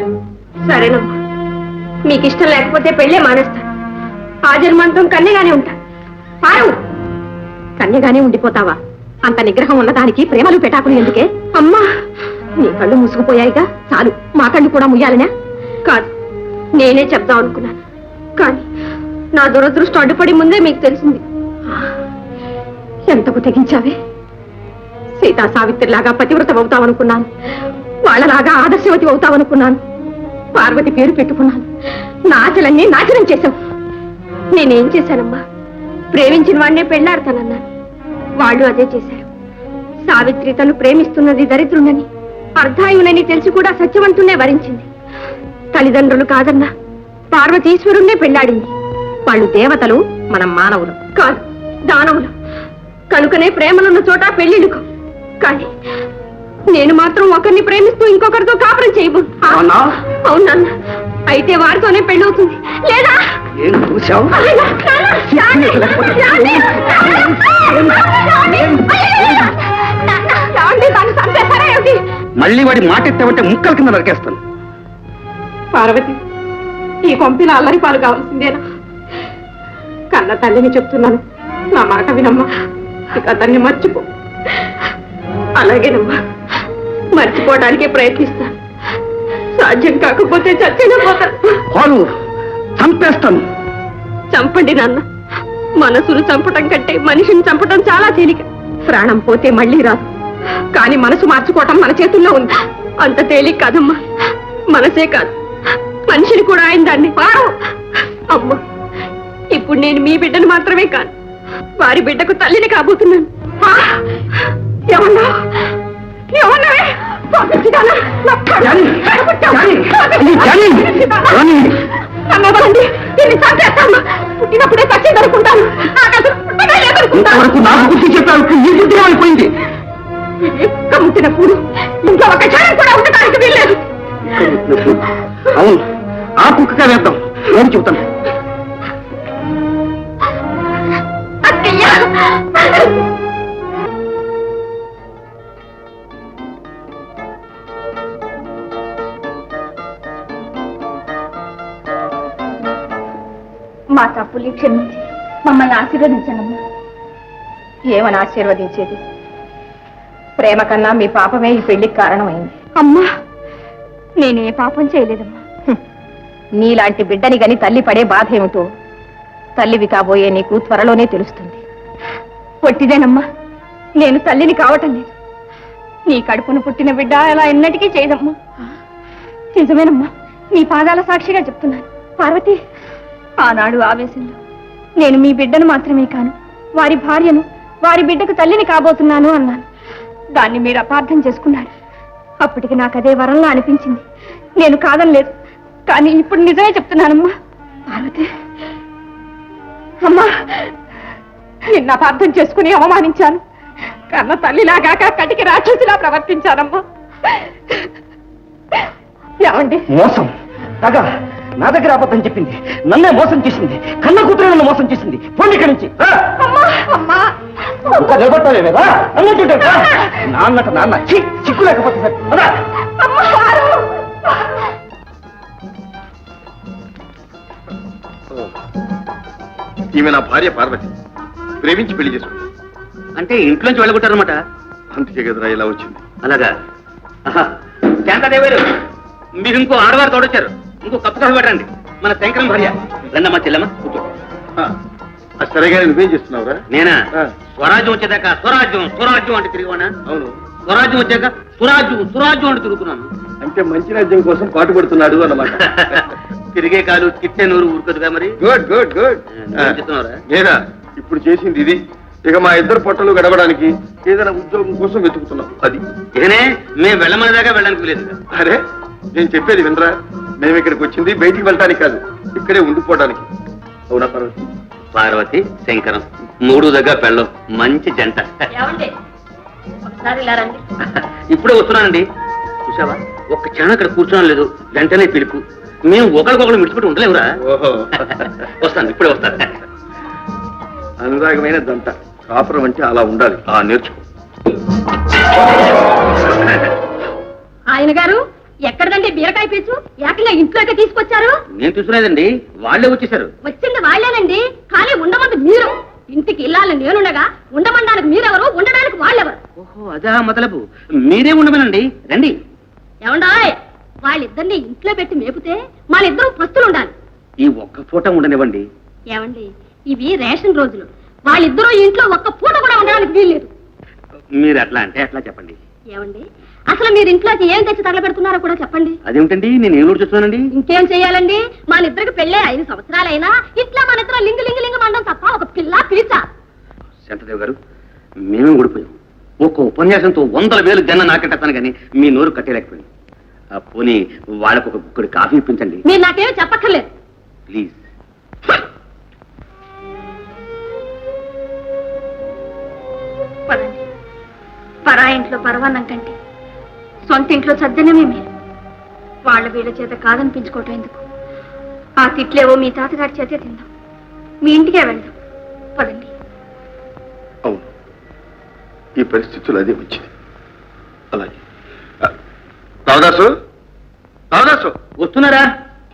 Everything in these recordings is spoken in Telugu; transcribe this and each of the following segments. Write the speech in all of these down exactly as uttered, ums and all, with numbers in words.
సరేనమ్మా, మీకు ఇష్టం లేకపోతే పెళ్ళే మానేస్తాను. ఆ జన్మాంతం కన్యగానే ఉంటా. పారు, కన్యగానే ఉండిపోతావా? అంత నిగ్రహం ఉన్న దానికి ప్రేమలు పెటాకులు ఎందుకే? అమ్మా, నీ కళ్ళు మూసుకుపోయాయిగా, చాలు. మా కళ్ళు కూడా ముయ్యాలనే? కాదు, నేనే చెప్దాం అనుకున్నాను, కానీ నా దురదృష్టం అడ్డుపడి ముందే మీకు తెలిసింది. ఎంతకు తెగించావే? సీతా సావిత్రిలాగా పతివ్రత అవుతావనుకున్నాను, వాళ్ళలాగా ఆదర్శవతి అవుతావనుకున్నాను. పార్వతి పేరు పెట్టుకున్నాను, నా ఆశలన్నీ నాశనం చేశావు. నేనేం చేశానమ్మా? ప్రేమించిన వాడినే పెళ్లాడతానన్నాను, వాళ్ళు అదే చేశారు. సావిత్రి తను ప్రేమిస్తున్నది దరిద్రుండని, అర్ధాయునని తెలిసి కూడా సత్యవంతునే వరించింది. తల్లిదండ్రులు కాదన్నా పార్వతీశ్వరుణ్ణే పెళ్లాడింది. వాళ్ళు దేవతలు, మనం మానవులు. కాదు, దానవులు. కనుకనే ప్రేమలున్న చోట పెళ్లిడుకు. కానీ నేను మాత్రం ఒకరిని ప్రేమిస్తూ ఇంకొకరితో కాపురం చేయబో. అవునన్నా, అయితే వారితోనే పెళ్ళవుతుంది. లేదా మళ్ళీ వాడి మాట ఎత్తావంటే ముక్కల కింద నరికేస్తాను. పార్వతి, ఈ కొంపిన అల్లరి పాలు కావాల్సిందేనా? కన్న తల్లిని చెప్తున్నాను, నా మాట వినమ్మా. ఇక అతన్ని మర్చిపో. అలాగేనమ్మా, మర్చిపోవడానికే ప్రయత్నిస్తాను. సాధ్యం కాకపోతే చచ్చిన పోతాను. చంపేస్తాను. చంపండి నాన్న. మనసును చంపటం కంటే మనిషిని చంపటం చాలా తేలిక. ప్రాణం పోతే మళ్ళీ రాదు, కానీ మనసు మార్చుకోవటం మన చేతుల్లో ఉంది. అంత తేలిక కాదమ్మా. మనసే కాదు, మనిషిని కూడా ఆయన దాన్ని. అమ్మ, ఇప్పుడు నేను మీ బిడ్డను మాత్రమే కాదు, వారి బిడ్డకు తల్లిని కాబోతున్నాను. ఏమన్నా ఏమన్నావే? పుట్టినప్పుడే పచ్చి దొరుకుంటాను. అయిపోయింది. కమ్ముతున్నప్పుడు ఇంకా ఒక క్షణం కూడా ఉండటానికి వీల్లేదు. అవును, ఆ కుక్కగా వేద్దాం. నేను చెబుతాను. మా తప్పులు క్షమించి మమ్మల్ని ఆశీర్వదించండి. ఏమని ఆశీర్వదించేది? ప్రేమ కన్నా మీ పాపమే ఈ పెళ్లికి కారణమైంది. అమ్మా, నేనే పాపం చేయలేదమ్మా. నీలాంటి బిడ్డని గని తల్లి పడే బాధ ఏమిటో తల్లివి కాబోయే నీకు త్వరలోనే తెలుస్తుంది. పొట్టిదేనమ్మా, నేను తల్లిని కావటం లేదు. నీ కడుపును పుట్టిన బిడ్డ అలా ఎన్నటికీ చేయదమ్మా. నిజమేనమ్మా, నీ పాదాల సాక్షిగా చెప్తున్నాను. పార్వతి, ఆనాడు ఆవేశంలో నేను మీ బిడ్డను మాత్రమే కాను, వారి భార్యను, వారి బిడ్డకు తల్లిని కాబోతున్నాను అన్నాను. దాన్ని మీరు అపార్థం చేసుకున్నారు. అప్పటికి నాకు అదే వరంలా అనిపించింది. నేను కాదనలేదు, కానీ ఇప్పుడు నిజమే చెప్తున్నానమ్మా. పార్వతి అమ్మా, నిన్న అపార్థం చేసుకుని అవమానించాను. కన్న తల్లిలాగాక కటికి రాక్షసిలా ప్రవర్తించానమ్మా. ఏమండి? మోసం, తగా నా దగ్గర అబద్ధం చెప్పింది, నన్నే మోసం చేసింది. కన్న కూతురు నన్ను మోసం చేసింది. పోండి ఇక్కడి నుంచి. ఇంకా నిలబడతావే కదా అన్నట్టు నాన్నట నాన్న చిక్కు లేకపోతే సరే. ఈమె నా భార్య పార్వతి, ప్రేమించి పెళ్లి చేసుకుంది. అంటే ఇంట్లోంచి వెళ్ళగొట్టారనమాట. అందుకే కదరా ఇలా వచ్చింది. అలాగా? శాంతాదేవారు, మీరు ఇంకో ఆడవారు తోడొచ్చారు. ఇంకో కప్పు కాఫీ పెట్టండి. మన శంకరం భార్య. రండమ్మా చెల్లమ్మ, కూర్చో. సరేగా నువ్వేం చేస్తున్నావురా? నేనా? స్వరాజ్యం వచ్చేదాకా స్వరాజ్యం స్వరాజ్యం అంటే తిరిగివానా? అవును. స్వరాజ్యం వచ్చాక సురాజ్యం సురాజ్యం అంటే తిరుగుతున్నాను. అంటే మంచి రాజ్యం కోసం పాటు పడుతున్నాడు అన్నమాట. తిరిగే కాలు తిట్టే నూరు ఊరుకదుగా మరి. Good good good. చెప్తున్నారా? నేనా ఇప్పుడు చేసింది ఇది. ఇక మా ఇద్దరు పొట్టలు గడవడానికి ఏదైనా ఉద్యోగం కోసం వెతుకుతున్నాం. అది ఇకనే మేము వెళ్ళమని దాకా వెళ్ళడానికి లేదు. అరే, నేను చెప్పేది వినరా? మేము ఇక్కడికి వచ్చింది బయటికి వెళ్ళటానికి కాదు, ఇక్కడే ఉండిపోవడానికి. అవునా పార్వతి? పార్వతి శంకరం మూడు దగ్గర పెళ్ళం మంచి జంట. ఇప్పుడే వస్తున్నానండి. చూసావా, ఒక్క క్షణం అక్కడ కూర్చోడం లేదు, వెంటనే పిలుపు. మేము ఒకరికొకరు మిడిచిపెట్టి ఉండలేవురా. ఓహో, వస్తాను, ఇప్పుడే వస్తాను. అనురాగమైన జంట కాపురం అంటే అలా ఉండాలి. ఆ నేర్చుకో. ఆయన గారు, ఎక్కడదండి బీరకాయ పీచు ఏకంగా ఇంట్లోకి తీసుకొచ్చారు? నేను చూసుకునేదండి, వాళ్ళే వచ్చేసారు. వచ్చింది వాళ్ళేనండి, కానీ ఉండమంది మీరు. ఇంటికి ఇల్లాలని నేనుండగా ఉండమండానికి మీరెవరు, ఉండడానికి వాళ్ళెవరు? ఓహో అదా మొదలపు, మీరే ఉండమేనండి, రండి. ఏమండాయ్, వాళ్ళిద్దరిని ఇంట్లో పెట్టి మేపితే వాళ్ళిద్దరూ పస్తులు ఉండాలి. ఈ ఒక్క పూట ఉండనివ్వండి. ఏమండి, ఇవి రేషన్ రోజులు, వాళ్ళిద్దరూ ఇంట్లో ఒక్క పూట కూడా ఉండడానికి వీల్లేదు. మీరు అట్లా అంటే అట్లా చెప్పండి. ఏమండి, అసలు మీరు ఇంట్లోకి ఏం తెచ్చి తగలబెడుతున్నారో కూడా చెప్పండి. అదేమిటండి, నేను ఏం చూస్తున్నానండి? ఇంకేం చెయ్యాలండి, మన ఇద్దరికి పెళ్ళే ఐదు సంవత్సరాలైనా ఇట్లా మన ఇద్దరు లింగు లింగు లింగు మండం తప్ప ఒక పిల్ల పిలిచా. శంతదేవ్ గారు, మేమే ఊడిపోయాం. ఒక్క ఉపన్యాసంతో వందల వేలు జన్న నాకెట్టాను కానీ మీ నోరు కట్టేలేకపోయింది. ఆ పోనీ వాళ్ళకు ఒక గుక్కడి కాఫీ ఇప్పించండి. మీరు నాకేమీ చెప్పక్కర్లేదు. ప్లీజ్. పదండి, పరా ఇంట్లో పరవాన్నం కంటే సొంత ఇంట్లో సజ్జనమే మీరు. వాళ్ళ వీళ్ళ చేత కాదనిపించుకోవటం ఎందుకు? ఆ తిట్లేవో మీ తాతగారి చేతే తిందాం, మీ ఇంటికే వెళ్దాం. పదండి. అవును, ఈ పరిస్థితులు అదే వచ్చింది. అలాగే రావదాసు, రావదాసు వస్తున్నారా?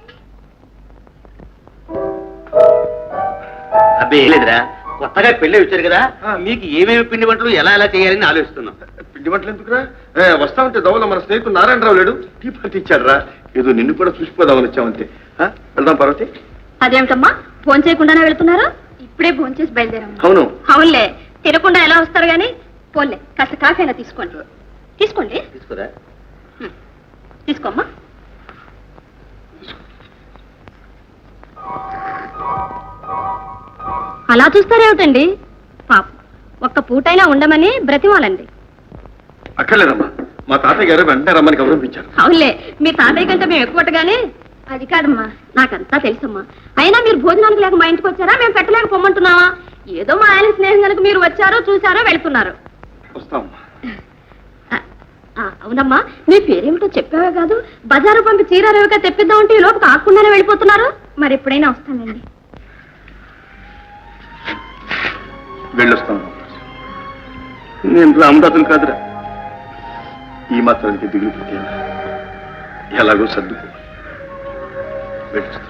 అబ్బే లేదురా, కొత్తగా పెళ్ళి వచ్చారు కదా, మీకు ఏమేమి పిండి వంటలు ఎలా ఎలా చేయాలని ఆలోచిస్తున్నాం. పిండి వంటలు ఎందుకురా? ఏ, వస్తా ఉంటే దవల మన స్నేహితుడు నారాయణరావు లేడు, టీ పార్టీ ఇచ్చాడు రా. ఏదో నిన్ను కూడా చూసిపోదామని వచ్చామంతే. ఆ, వెళ్దాం పార్వతి. అదేమిటమ్మా, ఫోన్ చేయకుండానే వెళ్తున్నారు? ఇప్పుడే ఫోన్ చేసి బయలుదేరాము. అవును. అవునులే, తినకుండా ఎలా వస్తారు గాని. పోన్లే, కాస్త కాఫీ అయినా తీసుకోండి. తీసుకోండి. తీసుకురా. హ్మ్. తీసుకోమ్మా. అలా చూస్తారేమిటండి? పాప ఒక్క పూటైనా ఉండమని బ్రతిమాలండి. అక్కర్లేదమ్మా, మా తాతయ్య గారు వెంటనే రమ్మని గౌరవించారు. అవునులే, మీ తాతయ్య కంటే మేము ఎక్కువగానే. అది కాదమ్మా, నాకంతా తెలుసమ్మా. అయినా మీరు భోజనానికి లేక మా ఇంటికి వచ్చారా, మేము పెట్టలేక పొమ్మంటున్నావా? ఏదో మా ఆయన స్నేహం కనుక మీరు వచ్చారో చూసారో వెళ్తున్నారు. వస్తామమ్మా. ఆ, అవునమ్మా, మీ పేరేమిటో చెప్పావే కాదు, బజారు పంపి చీరారేవిగా తెప్పిద్దామంటే ఈ లోపు కాకుండానే వెళ్ళిపోతున్నారు. మరి ఎప్పుడైనా వస్తానండి. వెళ్ళొస్తాను. నేను రామదాసులు కాదురా, ఈ మాత్రానికి దిగులు పెట్టేలా ఎలాగో సర్దుకో. వెళ్ళొస్తాను.